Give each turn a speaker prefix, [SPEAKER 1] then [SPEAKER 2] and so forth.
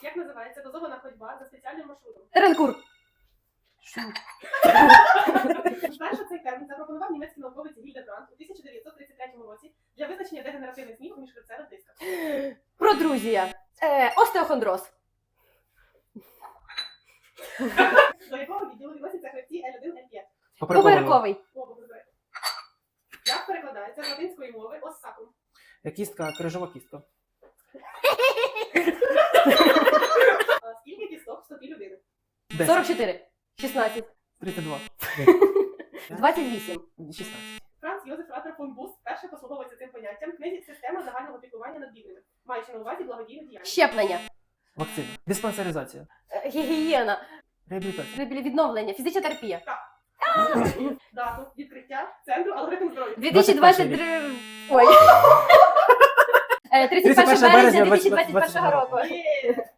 [SPEAKER 1] Як називається дозована ходьба за спеціальним маршрутом?
[SPEAKER 2] Теренкур.
[SPEAKER 3] Що?
[SPEAKER 1] Вперше цей термін запропонував німецький науковець Гільдебранд у 1933 році для визначення дегенеративних змін у міжхребцевих дисках.
[SPEAKER 2] Протрузія. Остеохондроз.
[SPEAKER 1] До якого відділу відносяться хребці L1, L5?
[SPEAKER 2] Поперековий.
[SPEAKER 1] Обов'язково. Як перекладається з латинської мови оссакум?
[SPEAKER 3] Кістка, крижова кістка.
[SPEAKER 1] Скільки кісток в стопі людини?
[SPEAKER 3] 10.
[SPEAKER 2] 44. 16.
[SPEAKER 3] 32.
[SPEAKER 2] 28.
[SPEAKER 3] 16.
[SPEAKER 1] Франц Йозеф Ратер фон Буст вперше послуговується цим поняттям в книзі «Система загального піклування над бідними», маючи на увазі благодійну діяльність.
[SPEAKER 2] Щеплення.
[SPEAKER 3] Вакцина. Диспансеризація.
[SPEAKER 2] Гігієна.
[SPEAKER 3] Реабілітація.
[SPEAKER 2] Відновлення. Фізична терапія.
[SPEAKER 1] Дату відкриття Центру алгоритм здоров'я.
[SPEAKER 2] 2023. Ой. 31 березня 2021 року.
[SPEAKER 1] Є!